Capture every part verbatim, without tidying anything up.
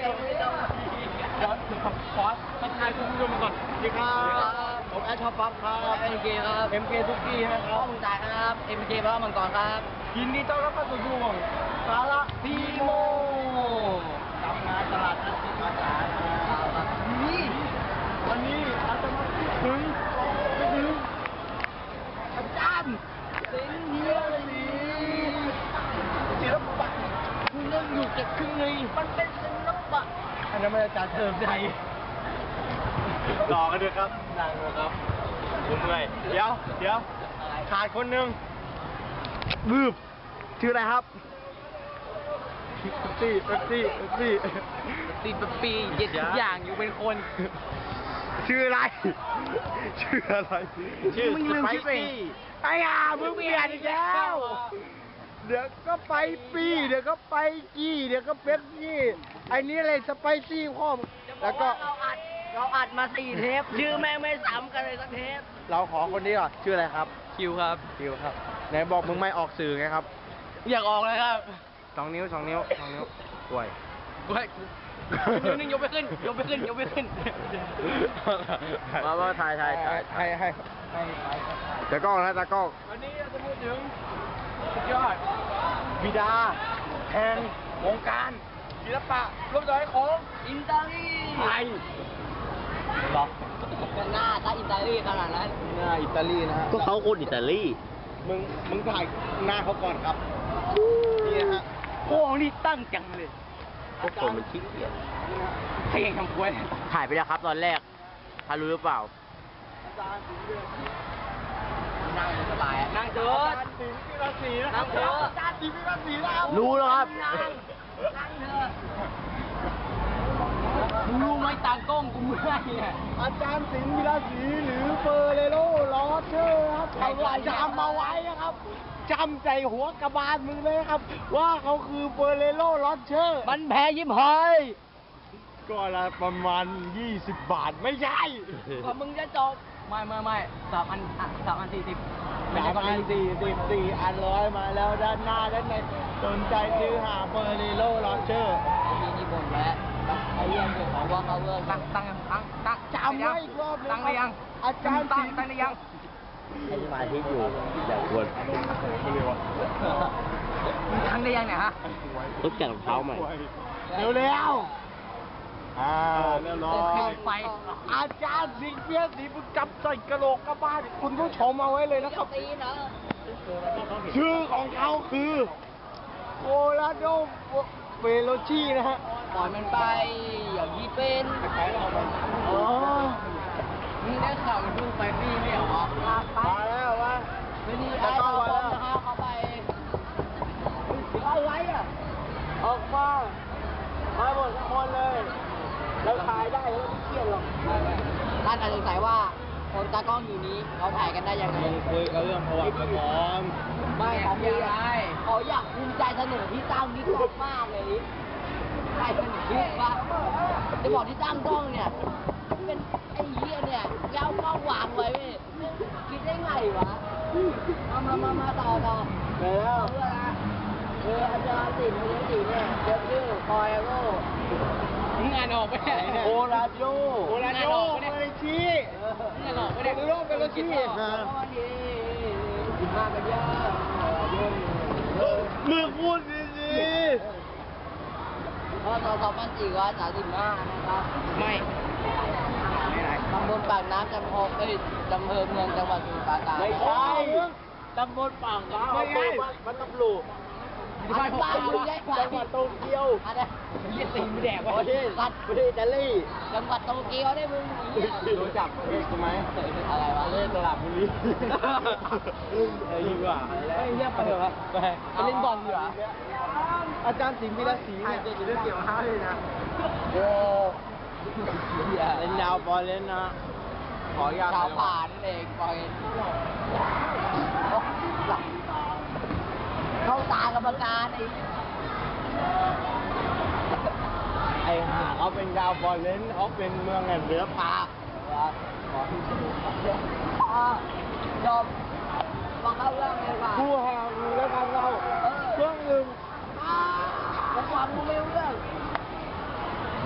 ย้อนถึงคอร์สทักทายคุณผู้ชมก่อนสวัสดีครับผมแอชชอปปั๊บครับเอ็มเคครับเอ็มเคทุกกี้นะคพ่รัอบ มึงตายครับเอ็มเคพระมังกรครับยินดีต้อนรับเข้าสู่ช่วงสาระพีโมทำงานตลาดนัดสินค้าสาธารณะนี่วันนี้เราจะมาพูดถึงไม่ถึงอาจารย์สิงห์เฮียสีศิลปะคุณเรื่องอยู่เก็บครึ่งไงมันเป็นศิลปะอันนั้นมันอาจารย์เติมใจต่อกันด้วยครับนั่งนะครับผมเลยเดี๋ยวเดี๋ยวขาดคนหนึ่งบืบชื่ออะไรครับเป๊ปซี่เป๊ปซี่เป๊ปซี่ตีปปีเย็ดทุกอย่างอยู่เป็นคนชื่ออะไร ชื่ออะไร ชื่อสไปซี่ไอ้ห่ามึงเปลี่ยนอีกแล้ว เดี๋ยวก็ไปปี้เดี๋ยวก็ไปกี้เดี๋ยวก็เป๊ปซี่ไอ้นี้อะไรสไปซี่พ่อมแล้วก็เราอัดเราอัดมาสี่เทปชื่อแม่งไม่ซ้ำกันเลยสักเทปเราขอคนนี้ก่อนชื่ออะไรครับคิวครับคิวครับไหนบอกมึงไม่ออกสื่อไงครับอยากออกเลยครับสองนิ้วสองนิ้วสองนิ้วป่วยกูให้นิ้วนึงยกไปขึ้นยกไปขึ้นยกไปขึ้นมาว่าถ่ายถ่ายถ่ายให้ให้ให้ตากล้องนะตากล้องวันนี้เราจะพูดถึงสุดยอดบิดาแห่งวงการศิลปะรูปแบบของอินเตอรีไทยหรอหน้าตาอินเตอรีขนาดนั้นหน้าอิตาลีนะฮะก็เขาคนอิตาลีมึงมึงถ่ายหน้าเขาก่อนครับนี่นะฮะโอ้นี่ตั้งจังเลยพวกคนมันขี้เกียจใครยังทำกล้วยถ่ายไปแล้วครับตอนแรกถ้ารู้หรือเปล่าอาจารย์สิงห์เรื่องนั่งสบายอะนั่งเถอะอาจารย์สิงห์พิรัศรีนะครันั่งเถอะอาจารย์สิงห์พิรัศรีนะครับรู้แล้วครับนั่งนั่งเถอะมึงรู้ไหมตากล้องกูเมื่อยเนี่ยอาจารย์สิงห์พิรัศรีหรือเฟอร์เรโรลอเชอร์ครับเขาจำมาไว้นะครับจำใจหัวกระบาลมึงเลยครับ ว่าเขาคือเฟอร์เรโรลอเชอร์มันแพ้ยิ้มหอยก็ละประมาณยี่สิบบาทไม่ใช่กว่ามึงจะจบไม่ไม่ไม่สามอันอ่ะสามอันสี่สิบสามอันสี่สิบสี่อันร้อยมาแล้วด้านหน้าด้านในสนใจซื้อหาเฟอร์เรโรลอเชอร์มีนี่บ่นแล้วเขาเรื่องของว่าเขาเรื่องตั้งตั้งตั้งตั้งจำไว้อีกรอบนึงตั้งหรือยังอาจารย์ตั้สิงงห์ตั้งหรือยังไอ้สมาธิอยู่แบบควรตั้งหรือยังเนี่ยฮะต้องจัดรองเท้าใหม่เร็วเร็วๆอ่าเรียบร้อเปิยดไฟอาจารย์สิงห์เพียรศรีมึงจำใส่กระโหลกกระบ้านคุณผู้ชมเอาไว้เลยนะครับตีนะชื่อของเขาคือโคลาโดเฟโลชีนะฮะปล่อยมันไปอย่างนี้เป็นอ๋อมึงได้ข่าวมันเพิ่งไปพี่ไม่เหรอไปมาแล้ววะไม่นี่ไอ้ตาบอลนะครับเขาไปอะไรอ่ะออกมามาหมดทุกคนเลยเราถ่ายได้แล้วไม่เครียดหรอกท่านอาจจะสงสัยว่าคนตากล้องอยู่นี้เขาถ่ายกันได้ยังไงคุยกันเรื่องประวัติประกอบไม่เขามีอะไรเขาอยากภูมิใจเสนอที่ตั้งนี่กล้องมากเลยใครเป็นคิดว่าจะบอกที่ตั้งกล้องเนี่ยเป็นไอ้เหี้ยเนี่ยแล้วกล้องวางไว้เว้ยคิดได้ไงวะมามามามาต่อต่อแล้วเพื่อนะเอออาจารย์สินเรียนสิเนี่ยเดี๋ยวชื่อคอยโร่มึงอ่านออกไปไหนเนี่ยโคลาโดโคลาโดเฟโลชีมึงอ่านออกไปไหนโคลาโดเฟโลชีนะสิบห้ากันยามึงพูดดีพศสองพันสี่ร้อยสามสิบห้านะครับ ไม่ตำบลปากน้ำจำพงเอ้ยจำเภอเมืองจังหวัดสมุทรปราการๆไม่ใช่ตำบลปากน้ำไม่ใช่มันตำรวจบ้านบ้านมึงได้ไหมจังหวัดโตเกียวอันนี้เรียกตีไม่แดกประวะเทศสัตว์ประเทศอิตาลีจังหวัดโตเกียวได้มึงเหี้ยรู้จักประเทศกูไหมอะไรวะประเทศตลาดบุรีเออดีกว่าไอ้เหี้ยไปเถอะวะไปไปเล่นบอลดีกว่าอาจารย์สิงห์วิรัศรีเนี่ยจะเรื่องเกี่ยวกับห้าเลยนะโอ้เหี้ยเล่นดาวบอลเล่นนะขออนุญาตชาวผ่านนั่นเองปล่อยหลับเข้าตากรรมการไอ้ไอ้ห่าเขาเป็นดาวบอลเล่นเขาเป็นเมืองแห่งเรือปลาอ่าจบฟังเข้าเรื่องเลยว่ะผู้ห่างอยู่แล้วกันเราเครื่องหนึ่งอ่าผมฟังกูไม่รู้เรื่อง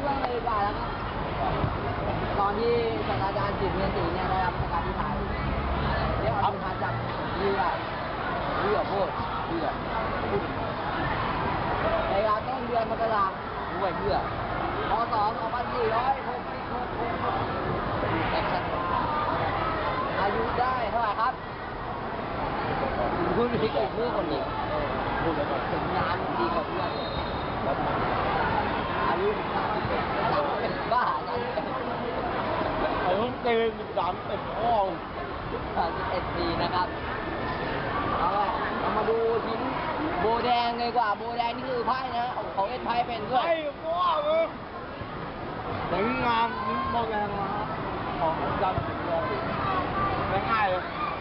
เรื่องเลยดีกว่าแล้วครับตอนที่ศาสตราจารย์จิตเมืองศรีเนี่ยได้รับราชการที่ไทยเรียกเอาทานจากเรือเรือโพดเรือในเวลาต้นเดือนมกราคมด้วยเรือพศสองพันสี่ร้อยหกสิบหกแต่ฉันอายุได้เท่าไหร่ครับคุณพิกเพื่อนคนนี้ถึงงานดีกว่าเพื่อนอายุเป็นบ้าอายุไอ้ห้องเต้นสามเอ็ดห้องสามสิบเอ็ดปีนะครับเอาละเรามาดูชิ้นโบแดงเลยดีกว่าโบแดงนี่คือไพ่นะของเอ็นไพ่เป็นด้วยไอ้พ่อมึงสวยงามนิ้มโบแดงมาของอาจารย์สิงห์เลยง่ายๆเลย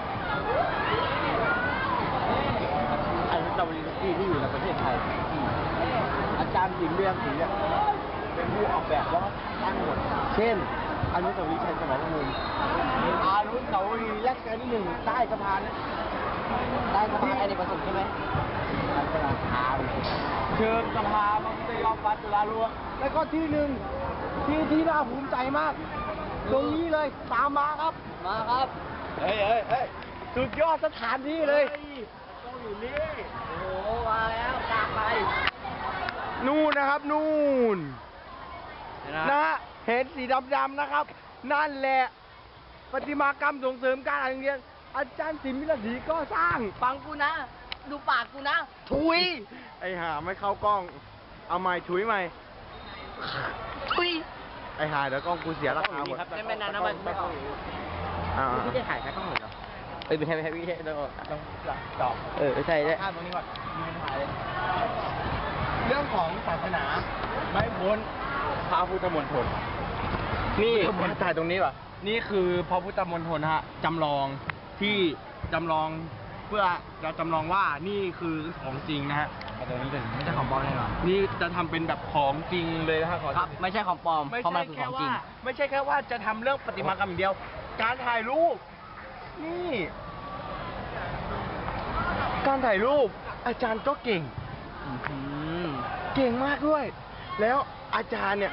ไอ้ตะวันที่ที่อยู่ในประเทศไทยอาจารย์สิงห์เรียงศรีเนี่ยเป็นผู้ออกแบบแล้วก็ตั้งหมดเช่นอนุสาวรีย์ชัยสมรภูมิอนุสาวรีย์รัชกาลที่หนึ่งใต้สะพานนะได้สภาอเนกประสงค์ใช่ไหมใต้สะพานเชิญสภามังกรยอมฟัดจุฬาลวงแล้วก็ที่หนึ่งที่ที่น่าภูมิใจมาก ตรงนี้เลยตามมาครับมาครับเฮ้ยเฮ้ยเฮ้ยสุดยอดสถานที่เลยต้องอยู่นี่โอ้โหมาแล้วกลางไปนู่นนะครับนู่นนะฮะเห็นสีดำๆนะครับ นั่นแหละประติมากรรมส่งเสริมการอ่านเรียนอาจารย์สิมพิรศรีก็สร้างฟังกูนะ ดูปากกูนะถุย ไอห่าไม่เข้ากล้อง เอาใหม่ถุยใหม่ทุยไอห่าเดี๋ยวกล้องกูเสียราคาหมดไม่เป็นไรนะมันไม่ออกอ่าไม่ได้ถ่ายแค่กล้องเหรอเอ้ยไม่ใช่ไม่ใช่ไม่ใช่ต้องต้องจอบเออใช่ใช่ข้ามตรงนี้ก่อนมีปัญหาเลย เรื่องของศาสนาไม่พ้นพระพุทธมณฑลนี่ถ่ายตรงนี้ป่ะนี่คือพระพุทธมณฑลฮะจำลองที่จำลองเพื่อจะจำลองว่านี่คือของจริงนะฮะตรงนี้เป็นไม่ใช่ของปลอมแน่นอนนี่จะทำเป็นแบบของจริงเลยนะฮะขอครับ ไม่ใช่ของปลอมไม่เพราะมัใช่นคือขแค่องจริว่าง ไม่ใช่แค่ว่าจะทำเรื่องประติมากรรมอย่างเดียว การถ่ายรูป นี่ การถ่ายรูป อาจารย์ก็เก่งอืมเก่งมากด้วย แล้วอาจารย์เนี่ย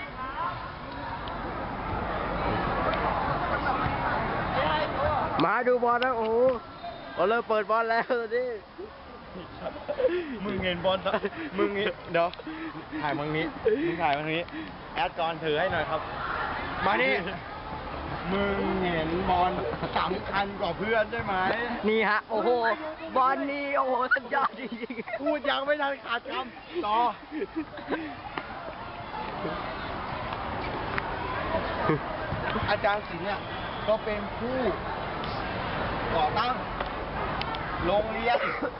มาดูบอลนะโอ้โหเราเริ่มเปิดบอลแล้วตอนนี้มึงเห็นบอลมึงเดี๋ยวถ่ายมังนี้มึงถ่ายมังนี้ แอดก่อนถือให้หน่อยครับ มานี่ มึงเห็นบอลสำคัญกว่าเพื่อนใช่ไหมนี่ฮะ โอ้โห บอลนี่ โอ้โห สุดยอดจริงพูดยังไม่ทันขาดคำต่อ อาจารย์ศิลป์เนี่ยก็เป็นผู้ก่อตั้งโรงเรียน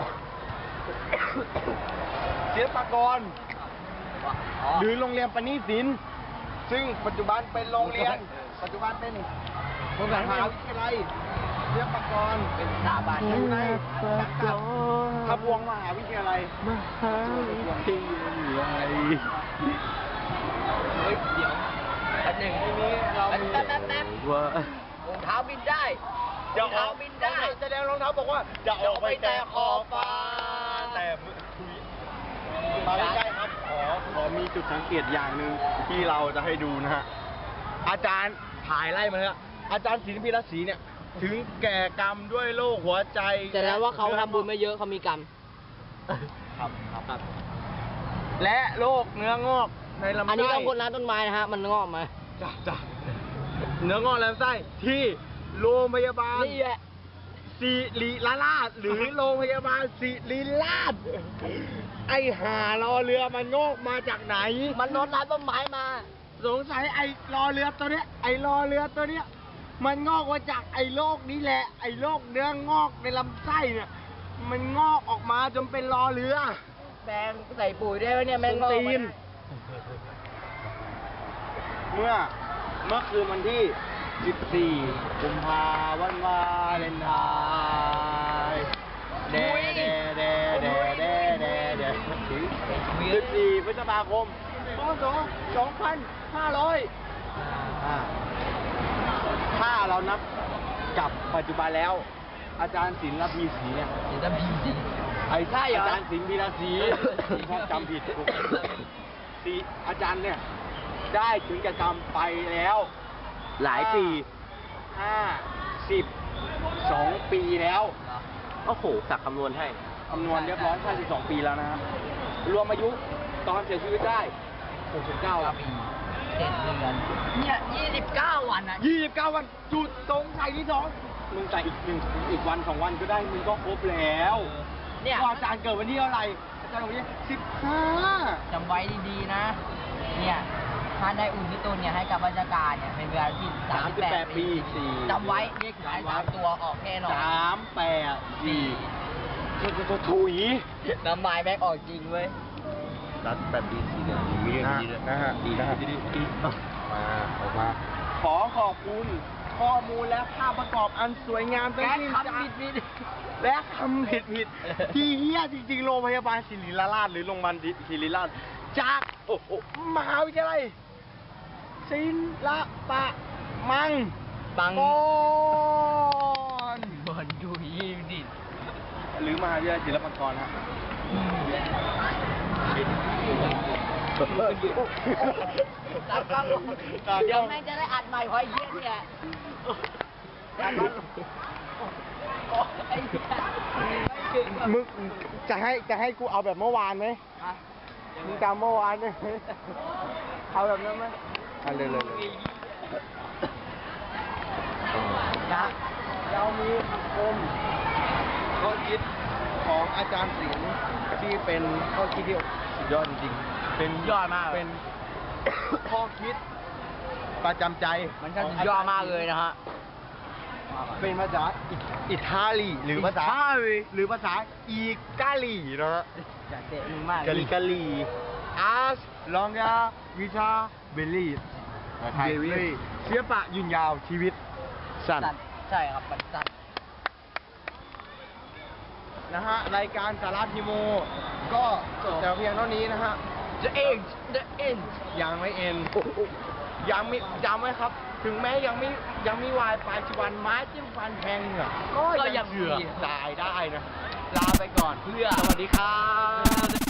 ศิลปากรๆหรือโรงเรียนปณิศิลป์ซึ่งปัจจุบันเป็นโรงเรียน ปัจจุบันเป็นมหาวิทยาลัยศิลปากรเป็นสถาบันอยู่ในสังกัดทบวงมหาวิทยาลัยมหาวิทยาลัยเฮ้ย เดี๋ยวแป๊บหนึ่งทีนี้เรามีแป๊บแป๊บแป๊บว่ารองเท้าบินได้จะรองอเท้าอกบินได้แสดงรองเท้าบอกว่าจะออกไปแต่ขอบฟ้าแต่มาใกล้ๆครับขอขอมีจุดสังเกตอย่างหนึ่งที่เราจะให้ดูนะฮะอาจารย์ถ่ายไล่มาเลยอาจารย์ศิลปินรัศรีเนี่ย ถึงแก่กรรมด้วยโรคหัวใจแต่แล้วว่าเขาทำบุญไม่เยอะเขามีกรรมครับครับ และโรคเนื้องอกในลำไส้อันนี้ต้องคนร้านต้นไม้นะฮะ มันงอกมาจ้ะจ้ะเนื้องอกในลำไส้ที่โรงพยาบาลนี่แหละสิริราชหรือโรงพยาบาลสิริราช ไอหารอเรือมันงอกมาจากไหนมันโดนร้านต้นไม้มาสงสัยไอรอเรือตัวเนี้ย ไอรอเรือตัวเนี้ย มันงอกมาจากไอโรคนี้แหละ ไอโรคเนื้องอกในลำไส้เนี่ย มันงอกออกมาจนเป็นรอเรือแปลงใส่ปุ๋ยได้ไหมเนี่ยแมงงอกตีมานเมื่อเมื่อคืนวันที่สิบสี่กุมภาวันวาเลนไทน์เดเดเดเดเดเดเดสิบสี่พฤษภาคมพศสองพันห้าร้อยถ้าเรานับกับปัจจุบันแล้ว อาจารย์ศิลป์พีศรีเนี่ยเดี๋ยวจะบีสิไอ้ใช่เหรออาจารย์ศิลป์พีระศรีถ้าจำผิดกูสีอาจารย์เนี่ยได้ถึงแก่กรรมไปแล้วหลายปีห้าสิบสองปีแล้วโอ้โหสักคำนวณให้คำนวณเรียบร้อยห้าสิบสองปีแล้วนะฮะรวมอายุตอนเสียชีวิตได้หกสิบเก้าปีเจ็ดเดือนเนี่ยยี่สิบเก้าวันอ่ะยี่สิบเก้าวันจุดตรงใส่ที่สองมึงใส่อีกหนึ่งอีกวันสองวันก็ได้มึงก็ครบแล้วเนี่ยว่าอาจารย์เกิดวันที่เท่าไหร่อาจารย์วันที่สิบห้าจำไว้ดีๆนะ เนี่ยถ้าได้อุ่นที่ตุนเนี่ยให้กับราชการเนี่ยเป็นเวลาที่สามสิบแปดปีจำไว้เลขท้ายสามตัวออกแน่นอนสามแปดสี่ตัวตัวถุยน้ำไม้แบกออกจริงเว้ยรัดแบบดีสีเดือนมีเรื่องดีด้วยนะฮะดีนะฮะดีดีดีมาออกมาขอขอบคุณข้อมูลและภาพประกอบอันสวยงามทั้งและสิ้นคำผิดผิดและคำผิดผิดที่เฮี้ยจริงๆโรงพยาบาลศิริราชหรือโรงพยาบาลศิริราชจากโอ้โหมหาวิทยาลัยศิลปะมังปังกรบนดูยี่ดิหรือมหาวิทยาลัยศิลปากรฮะตัดกล้องเดี๋ยวแม่งจะได้อัดใหม่เพราะไอ้เหี้ยเนี่ยตัดกล้องไอ้เหี้ยไม่ถึงแบบมึงจะให้จะให้กูเอาแบบเมื่อวานไหมอ่ะมึงจำเมื่อวานไหมเอาแบบนั้นไหมเอาเลยเลยเลยนะเรามีคมข้อคิดของอาจารย์สิงห์ที่เป็นข้อคิดที่สุดยอดจริงๆเป็นยอดมากเป็น ข้อคิดประจำใจมันก็สุดยอดมากเลยนะฮะเป็นภาษาอิอิตาลีหรือภาษาอิตาลีหรือภาษาอีกาลีนะฮะอยากเตะมึงมากกาลีกาลี as long as we are believe ไทย believe เสียปะยืนยาวชีวิตสั้นสัตว์ใช่ครับมันสัตว์นะฮะรายการสาราพีโม ก็จบแต่เพียงเท่านี้นะฮะ The end The end ยังไม่เอ็นยังไม่จำไว้ครับ ถึงแม้ยังไม่ยังไม่วายปัจจุบันไม้จิ้มฟันแทงเหงือกก็ยังเถื่อตายได้นะ ลาไปก่อนเพื่อ สวัสดีครับ